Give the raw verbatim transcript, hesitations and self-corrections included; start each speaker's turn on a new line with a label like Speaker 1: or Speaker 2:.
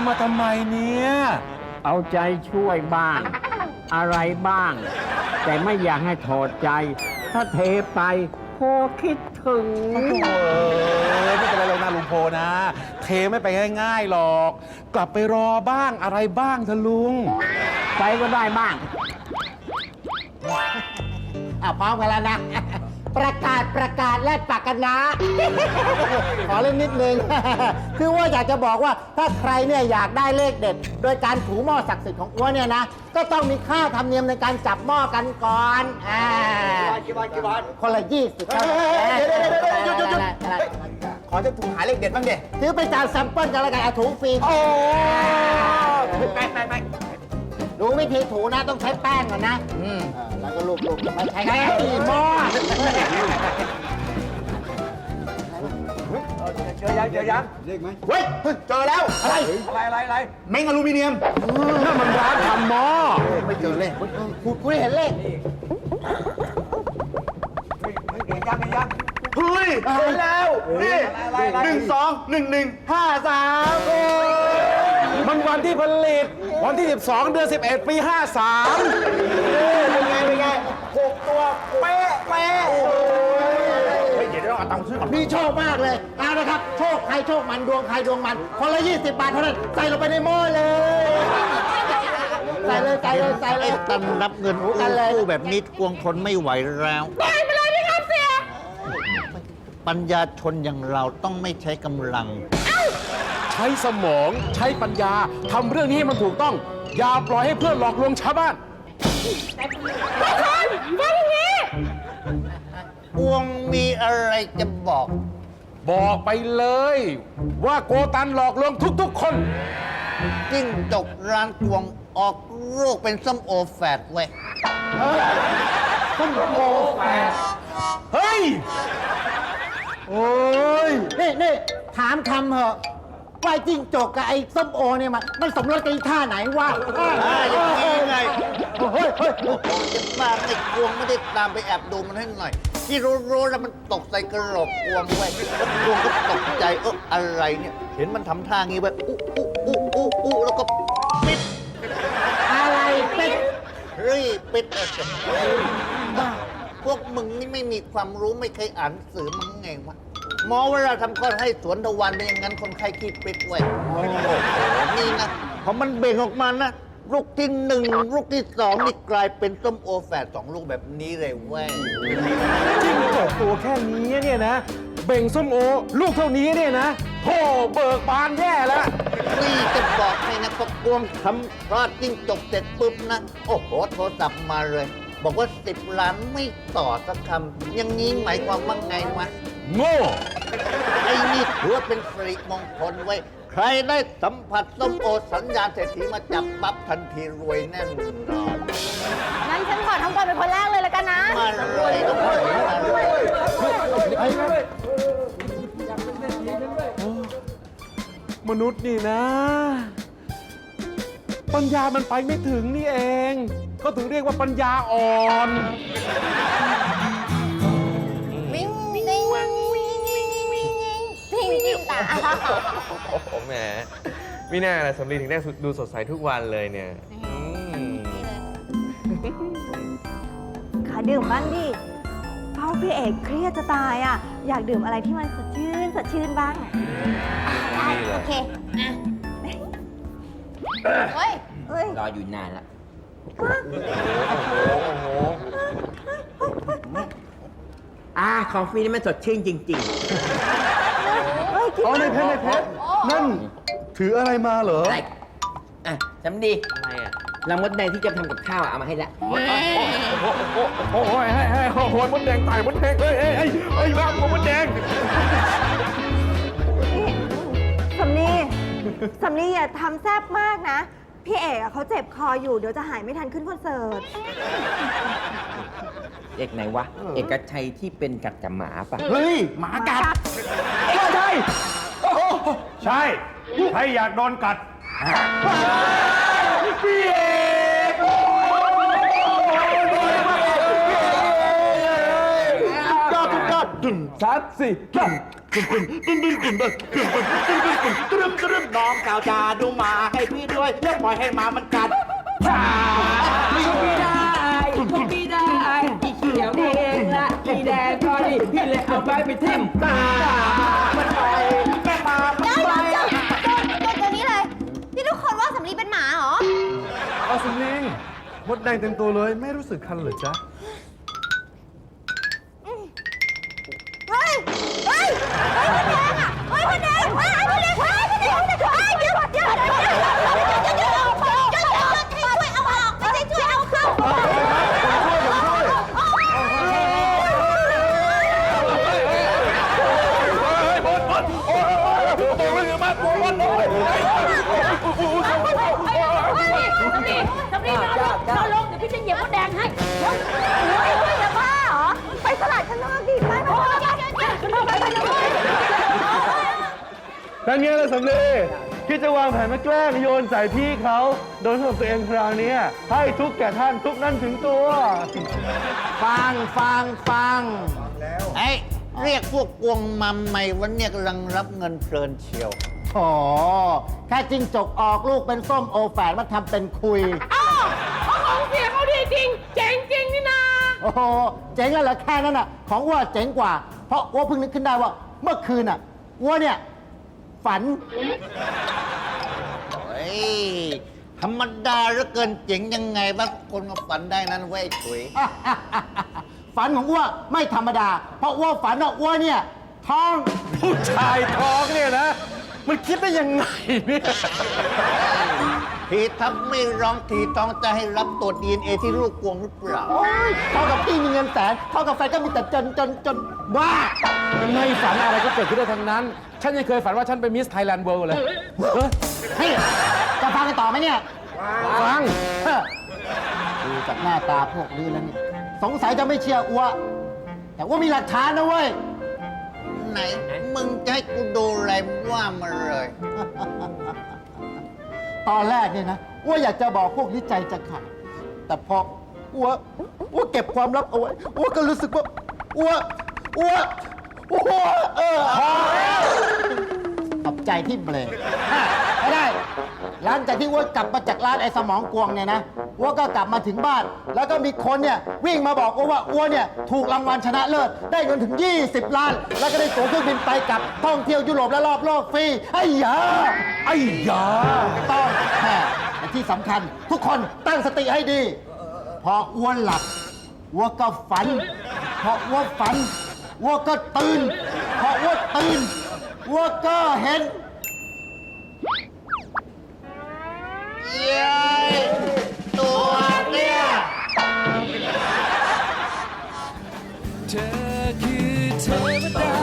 Speaker 1: มาทำไมเนี่ย
Speaker 2: เอาใจช่วยบ้างอะไรบ้างแต่ไม่อยากให้ถอดใจถ้าเทไปโพคิดถึง
Speaker 1: โอ้ยไม่เป็นไรหรอกนะลุงโพนะเทไม่ไปง่ายๆหรอกกลับไปรอบ้างอะไรบ้างเถอะลุง
Speaker 2: ไปก็ได้บ้าง
Speaker 3: อ่ะพร้อมกันแล้วนะประกาศประกาศและปากกันนะขอเล่นนิดนึงคือว่าอยากจะบอกว่าถ้าใครเนี่ยอยากได้เลขเด็ดโดยการถูหม้อศักดิ์สิทธิ์ของอ้วนเนี่ยนะก็ต้องมีค่าธรรมเนียมในการจับหม้อกันก่อนอ่ากี่บาทกี่บาทคนละยี่สิบครับเดี๋ยวเดี๋ยวเดี๋ยว
Speaker 4: ขอจะถูกหาเลขเด็ดบ้างเด็
Speaker 3: ถือเป็นการแซมเปิลกันแล้วกันเอาถูฟรี
Speaker 4: โอ้ไปไปไป
Speaker 3: ดูวิธีถูนะต้องใช้แป้งก่อนนะอืมแล้วก็ลูบๆไม่ใช่ไงหม้อ
Speaker 4: เจอยังเจอยังเลขไหมเฮ้ยเจอแล้วอะไรอะไรอะไรอะไรเม้งอลูมิเนียม
Speaker 1: นั่นมันร้านทำหม้อ
Speaker 3: ไม่เจอเลขคุณคุณเห็นเลข
Speaker 4: เห็นยังเห็นยังเฮ้ยเห็นแล้วนี่หนึ่งสองหนึ่งหนึ่งห้าสาม
Speaker 1: มันวันที่ผลิตวันที่สิบสองเดือนสิบเอ็ดปีห้าสาม
Speaker 4: เป็นไงเป็นไงหกตัวเป๊ะเป๊ะเฮ้ยเดี๋ยวเราเอาตังค์ซื้อก่อน
Speaker 3: พี่โชคมากเลยเอาละครับโชคใครโชคมันดวงใครดวงมันคนละยี่สิบบาทเท่านั้นใส่ลงไปในหม้อเลยใส่เลยใส่เลยใส่เลย
Speaker 2: ตันรับเงินกู้แบบนี้กวงทนไม่ไหวแล้ว
Speaker 3: ปล่อยไปเลยพี่ครับเสีย
Speaker 2: ปัญญาชนอย่างเราต้องไม่ใช้กำลัง
Speaker 1: ใช้สมองใช้ปัญญาทำเรื่องนี้ให้มันถูกต้องอย่าปล่อยให้เพื่อนหลอกลวงชาวบ้าน
Speaker 3: ทุกคนฟังนี้
Speaker 2: กวงมีอะไรจะบอก
Speaker 1: บอกไปเลยว่าโกตันหลอกลวงทุกๆคน
Speaker 2: จิ้งจกร้านกวงออกโรคเป็นส้มโอแฝดเว้ย
Speaker 3: ส้มโอแฝด
Speaker 1: เฮ้ยโอ้ย
Speaker 3: นี่นี่ถามคำเหอะว่าจิ้งจกกับไอ้ส้มโอเนี่ยมันมันสมรสกันอีท่าไหนวะ
Speaker 2: อย่างนี้ไง
Speaker 3: เฮ้ยเฮ้ย
Speaker 2: จะบ้าไอ้กวงไม่ได้ตามไปแอบดูมันให้หน่อยที่รู้ๆแล้วมันตกใส่กระโหลกกวงไว้แล้วกวงก็ตกใจเอออะไรเนี่ยเห็นมันทำท่างี้ไว้อุ๊อุ๊อุ๊อุ๊อุ๊แล้วก็ปิด
Speaker 3: อะไรปิด
Speaker 2: เฮ้ยปิดบ้าพวกมึงนี่ไม่มีความรู้ไม่เคยอ่านหนังสือมึงไงวะหมอเวลาทำคลอดให้สวนทวารเป็นอย่างนั้นคนไข้ขี้ปิดไว้โอ้โหนี่นะพอมันเบ่งออกมานะลูกที่หนึ่งลูกที่สองนี่กลายเป็นส้มโอแฝดสองลูกแบบนี้เลยเว้ย
Speaker 1: จิ้งจกตัวแค่นี้เนี่ยนะเบ่งส้มโอลูกเท่านี้เนี่ยนะโธ่เบิกบานแย่แล้ว
Speaker 2: นี่จะบอกให้นะพอกวงทำคลอดจิ้งจกเสร็จปุ๊บนะโอ้โหโทรศัพท์มาเลยบอกว่าสิบล้านไม่ต่อสักคำอย่างนี้หมายความว่าไงวะ
Speaker 1: โง่
Speaker 2: ไอ้นี่ถือว่าเป็นสิริมงคลไว้ใครได้สัมผัสส้มโอสัญญาณเศรษฐีมาจับปั๊บทันทีรวยแน่นอน
Speaker 5: งั้นฉันขอทำก่อนเป็นคนแรกเลยแล้วกันนะ
Speaker 2: มารวยทุกคน
Speaker 1: มนุษย์นี่นะปัญญามันไปไม่ถึงนี่เองก็ถึงเรียกว่าปัญญาอ่อน
Speaker 5: วิ่งวิ่งวิ่งวิ่งวิ่งวิ่งวิ่งวิ่งตา
Speaker 6: โอ้โหแหมไม่น่าละสำลีถึงได้ดูสดใสทุกวันเลยเนี่ย
Speaker 5: ขอดื่มบ้างดิเป้าพี่เอกเครียดจะตายอ่ะอยากดื่มอะไรที่มันสดชื่นสดชื่นบ้างได้โอเคเฮ้ย
Speaker 2: รออยู่นานละอ่าของฟรีนี่มันสดชื่นจริง
Speaker 1: ๆอ๋อในเพชรในเพชรนั่นถืออะไรมาเหรออะไร
Speaker 2: อ่ะจำดีอะไรอ่ะลำมดแดงที่จะทำกับข้าวเอามาให้ละ
Speaker 1: โอ้โหให้ให้โอ้โหมดแดงตายมดแดงเฮ้ยเฮ้ยเฮ้ยรักมดแดง
Speaker 5: สำนีสำนีอย่าทำแซ่บมากนะพี่เอกเขาเจ็บคออยู่เดี๋ยวจะหายไม่ทันขึ้นคอนเสิร์ต
Speaker 2: เอกไหนวะเอกชัยที่เป็นกัดกับหมาปะ
Speaker 1: เฮ้ยหมากัดเอกชัย
Speaker 7: ใช่ใครอยากโดนกัด
Speaker 1: พี่เอกยอดยอด
Speaker 4: ตึงสามสี่ตึงตึงตึงตึงตึงตึงตึงตึงตึงตึงตึงตึงตึงน้องสาวจาดูหมาให้พี่ด้วยแล้วปล่อยให้หมามันกัดขาไม่ได้ไม่ได้พี่เขียวเองละพี่แดงก็ดีพี่เลยเอาไปไปทิ่มตามันไปแม่มามันไป
Speaker 8: เดี๋ยวเดี๋ยวเดี๋ยวนี้เลยนี่ทุกคนว่าสำลีเป็นหมาเหรอ
Speaker 6: เอาสำลีมดแดงเต็มตัวเลยไม่รู้สึกคันเหรอจ๊ะ
Speaker 8: เฮ้ย เฮ้ย เฮ้ยคนแดงอ่ะเฮ้ยคนแดงเฮ้ยคนแดงเฮ้ยคนแดงเฮ้ยเดี๋ยวเดี๋ยวเดี๋ยวเดี๋ยวเดี๋ยวเดี๋ยวเดี๋ยวเดี๋ยวเดี๋ยวช่วยเอาออกไม่ใช่ช่วยเอาเข้า
Speaker 5: จะบ้าเหรอ ไปตลาดข้างนอกดิไปไปไปไป
Speaker 6: นั่นไงล่ะสำลีคิดจะวางแผนมาแกล้งโยนใส่พี่เขาโดยสำหรับตัวเองคราวนี้ให้ทุกแก่ท่านทุกนั่นถึงตัว
Speaker 3: ฟังฟังฟัง
Speaker 2: ไอ้เรียกพวกกวงมัมใหม่วันเนี้ยกำลังรับเงินเพลินเชียว
Speaker 3: โอ้แค่จิ้งจกออกลูกเป็นส้มโอแฝดมาทำเป็นคุย
Speaker 9: ของเสียเขาดีจริง เจ๋งจริงนี่นา
Speaker 3: โอ้โห เจ๋งแล้วเหรอแค่นั้นน่ะ ของอ้วเจ๋งกว่า เพราะอ้วเพิ่งนึกขึ้นได้ว่า เมื่อคืนน่ะอ้วเนี่ย ฝัน
Speaker 2: เฮ้ย ธรรมดาเหลือเกินเจ๋งยังไงบ้างคนมาฝันได้นั้นเว้ยถุย
Speaker 3: ฝันของอ้วไม่ธรรมดา เพราะอ้วฝันว่าอ้วเนี่ยท้อง
Speaker 6: ผู้ชายท้องเนี่ยนะ มันคิดได้ยังไงเนี่ย
Speaker 2: ทีทับไม่ร้องทีท้องจะให้รับตรวจดีเอ็นเอที่ลูกกวงหรือเปล่า
Speaker 3: โอ้ยเท่ากับพี่มีเงินแสนเท่ากับแฟนก็มีแต่จนจนจนบ้า
Speaker 1: ไม่ฝันอะไรก็เกิดขึ้นได้ทั้งนั้น ฉันยังเคยฝันว่าฉันเป็นมิสไทยแลนด์เวิลด์เลย
Speaker 3: เฮ้ยจะฟังกันต่อไหมเนี่ย
Speaker 1: ฟัง
Speaker 3: เฮ้อดูจากหน้าตาพวกนี้แล้วเนี่ยสงสัยจะไม่เชื่ออ้วแต่ว่ามีหลักฐานนะเว้ย
Speaker 2: ไหน มึงจะให้กูดูอะไรว่ามาเลย
Speaker 3: ตอนแรกเนี่ยนะอ้วอยากจะบอกพวกนี้ใจจะขาดแต่พออ้วอ้วเก็บความลับเอาไว้อ้วก็รู้สึกว่าอ้วอ้วอ้วเออพอแล้วขอบใจที่เบรกอ่ะไม่ได้ หลังจากที่อ้วกลับมาจากร้านไอ้สมองกวงเนี่ยนะอ้วก็กลับมาถึงบ้าน แล้วก็มีคนเนี่ยวิ่งมาบอกอ้วว่าอ้วเนี่ยถูกรางวัลชนะเลิศได้เงินถึง ยี่สิบ ล้าน แล้วก็ได้ตั๋วเครื่องบินไปกลับท่องเที่ยวยุโรปและรอบโลกฟรีไอ้ยา
Speaker 1: ไอ้ยา
Speaker 3: ต้องแค่แต่ที่สำคัญทุกคนตั้งสติให้ดี พออ้วนหลับอ้วก็ฝัน พออ้วฝันอ้วก็ตื่น พออ้วตื่นอ้วก็เห็น
Speaker 2: เย้ยตัวเนี่ย
Speaker 10: เธอคือเทวดา